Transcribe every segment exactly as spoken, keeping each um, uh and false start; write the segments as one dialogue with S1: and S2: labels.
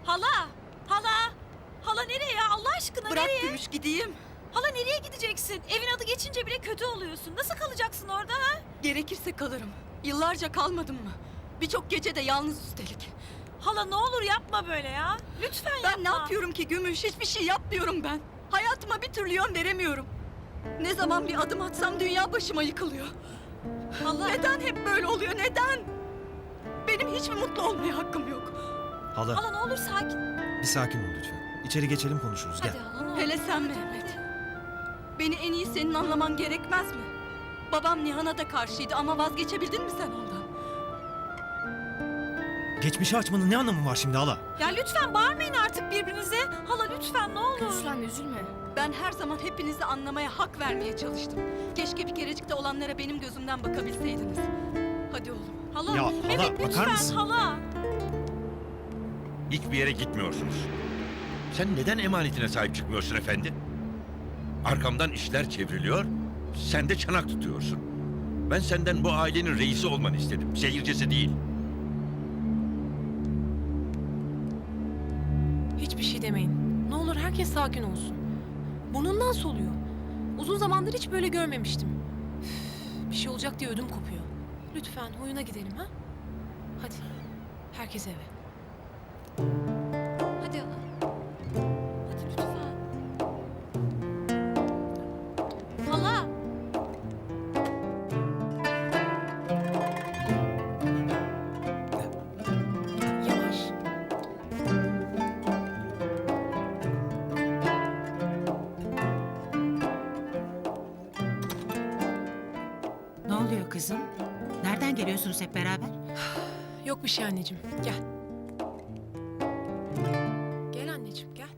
S1: Hala! Hala! Hala nereye ya? Allah aşkına
S2: Bırak
S1: nereye?
S2: Gümüş gideyim.
S1: Hala nereye gideceksin? Evin adı geçince bile kötü oluyorsun. Nasıl kalacaksın orada ha?
S2: Gerekirse kalırım. Yıllarca kalmadım mı? Birçok gece de yalnız üstelik.
S1: Hala ne olur yapma böyle ya. Lütfen
S2: Ben
S1: yapma.
S2: ne yapıyorum ki Gümüş? Hiçbir şey yapmıyorum ben. Hayatıma bir türlü yön veremiyorum. Ne zaman bir adım atsam dünya başıma yıkılıyor.
S1: Hala.
S2: Neden hep böyle oluyor? Neden? Benim hiç mi mutlu olmaya hakkım yok?
S3: Hala,
S1: Hala ne olur sakin.
S3: bir sakin ol lütfen. İçeri geçelim konuşuruz.
S1: Hadi
S3: Gel.
S1: hala ne olur.
S2: Hele sen Mehmet. Beni en iyi senin anlaman gerekmez mi? Babam Nihan'a da karşıydı ama vazgeçebildin mi sen ondan?
S3: Geçmişi açmanın ne anlamı var şimdi hala?
S1: Ya lütfen bağırmayın artık birbirinize. Hala lütfen ne olur.
S4: Lütfen üzülme.
S2: Ben her zaman hepinizi anlamaya, hak vermeye çalıştım. Keşke bir kerecik de olanlara benim gözümden bakabilseydiniz. Hadi oğlum.
S1: Hala.
S3: Ya, hala,
S1: Mehmet
S3: bakar
S1: lütfen
S3: mısın?
S1: hala.
S5: Hiçbir yere gitmiyorsunuz. Sen neden emanetine sahip çıkmıyorsun efendi? Arkamdan işler çevriliyor, sen de çanak tutuyorsun. Ben senden bu ailenin reisi olmanı istedim, seyircisi değil.
S4: Hiçbir şey demeyin. Ne olur herkes sakin olsun. Burnundan soluyor. Uzun zamandır hiç böyle görmemiştim. Üf, bir şey olacak diye ödüm kopuyor. Lütfen oyuna gidelim ha? Hadi. Herkes eve.
S1: Hadi hala. Hadi lütfen. Hala.
S4: Yavaş.
S6: Ne oluyor kızım? Nereden geliyorsunuz hep beraber?
S4: Yok bir şey anneciğim. Gel. Gel anneciğim gel.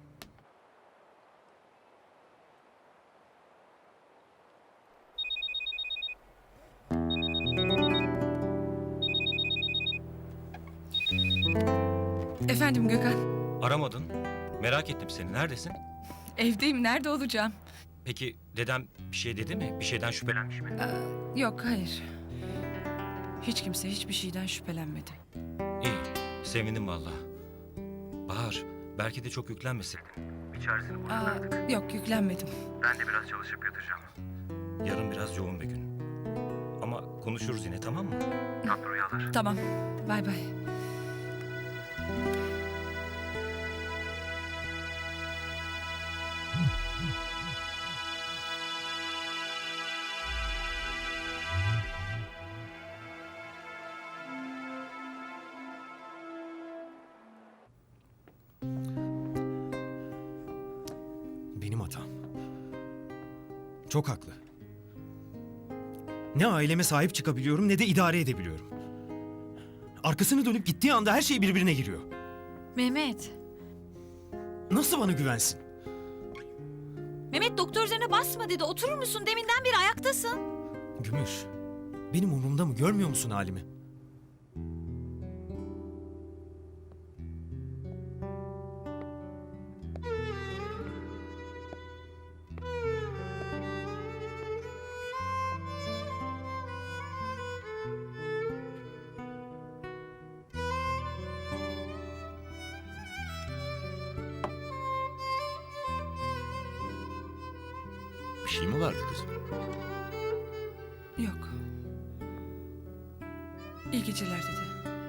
S7: Efendim Gökhan,
S8: Aramadın. Merak ettim seni. Neredesin?
S7: evdeyim. Nerede olacağım?
S8: Peki dedem bir şey dedi mi? Bir şeyden şüphelenmiş mi?
S7: Yok, hayır. Hiç kimse hiçbir şeyden şüphelenmedi.
S8: İyi. Sevindim valla. Bahar, belki de çok yüklenmeseydin. Bir çaresini buluruz
S7: Aa,
S8: artık.
S7: yok, yüklenmedim.
S8: Ben de biraz çalışıp yatacağım. Yarın biraz yoğun bir gün. Ama konuşuruz yine, tamam mı? Tatlı rüyalar.
S7: Tamam, bay bay.
S3: Benim hatam. Çok haklı. Ne aileme sahip çıkabiliyorum ne de idare edebiliyorum. Arkasını dönüp gittiği anda her şey birbirine giriyor.
S1: Mehmet.
S3: Nasıl bana güvensin?
S1: Mehmet doktor üzerine basma dedi. Oturur musun? Deminden beri ayaktasın.
S3: Gümüş, benim umurumda mı? Görmüyor musun halimi?
S5: Bir şey mi vardı kızım?
S7: Yok. İyi geceler dedi.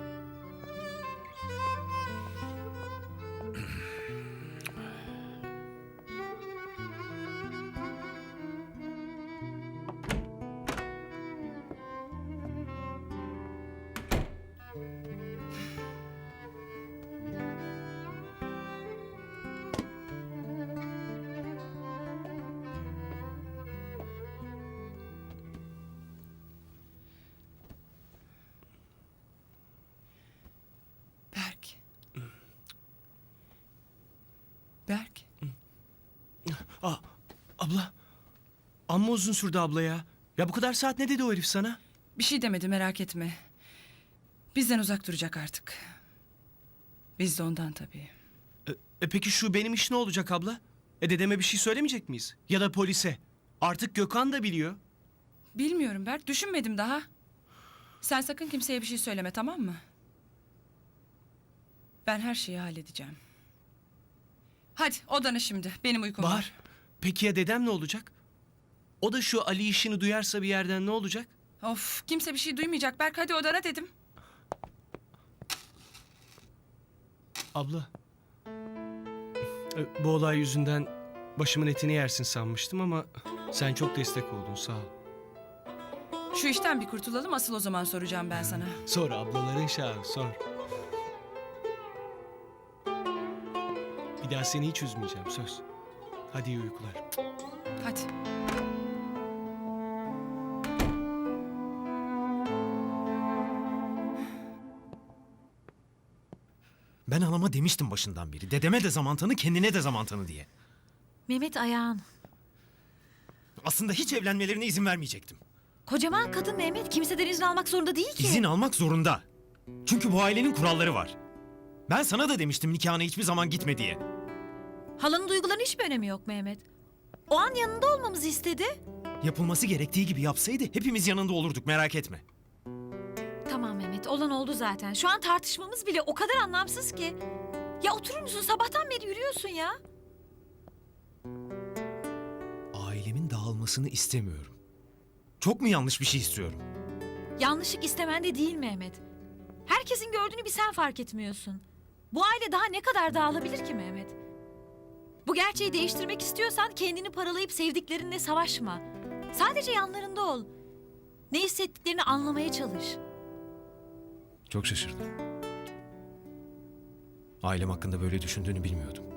S7: Berk. Berk.
S9: Aa, abla. Amma uzun sürdü abla ya. Ya bu kadar saat ne dedi o herif sana?
S7: Bir şey demedi, merak etme. Bizden uzak duracak artık. Biz de ondan tabii.
S9: E, e peki şu benim iş ne olacak abla? E dedeme bir şey söylemeyecek miyiz? Ya da polise. Artık Gökhan da biliyor.
S7: Bilmiyorum Berk, düşünmedim daha. Sen sakın kimseye bir şey söyleme, tamam mı? Ben her şeyi halledeceğim. Hadi odana şimdi. Benim uykum var.
S9: Bahar, peki ya dedem ne olacak? O da şu Ali işini duyarsa bir yerden ne olacak?
S7: Of, kimse bir şey duymayacak. Berk hadi odana dedim.
S9: Abla. e, Bu olay yüzünden başımın etini yersin sanmıştım ama sen çok destek oldun, sağ ol.
S7: Şu işten bir kurtulalım, asıl o zaman soracağım ben sana.
S9: Sor ablaların şahı, sor. Bir daha seni hiç üzmeyeceğim, söz. Hadi iyi uykular.
S7: Hadi.
S3: Ben anama demiştim başından beri. Dedeme de zaman tanı, kendine de zaman tanı diye.
S1: Mehmet ayağın.
S3: Aslında hiç evlenmelerine izin vermeyecektim.
S1: Kocaman kadın Mehmet kimseden izin almak zorunda değil ki.
S3: İzin almak zorunda. Çünkü bu ailenin kuralları var. Ben sana da demiştim nikahına hiçbir zaman gitme diye.
S1: Halanın duygularının hiçbir önemi yok Mehmet. O an yanında olmamızı istedi.
S3: Yapılması gerektiği gibi yapsaydı hepimiz yanında olurduk, merak etme.
S1: Tamam Mehmet, olan oldu zaten. Şu an tartışmamız bile o kadar anlamsız ki. Ya oturur musun? Sabahtan beri yürüyorsun ya.
S3: Ailemin dağılmasını istemiyorum. Çok mu yanlış bir şey istiyorum?
S1: Yanlışlık istemen de değil Mehmet. Herkesin gördüğünü bir sen fark etmiyorsun. Bu aile daha ne kadar dağılabilir ki Mehmet? Bu gerçeği değiştirmek istiyorsan kendini paralayıp sevdiklerinle savaşma. Sadece yanlarında ol. Ne hissettiklerini anlamaya çalış.
S3: Çok şaşırdım. Ailem hakkında böyle düşündüğünü bilmiyordum.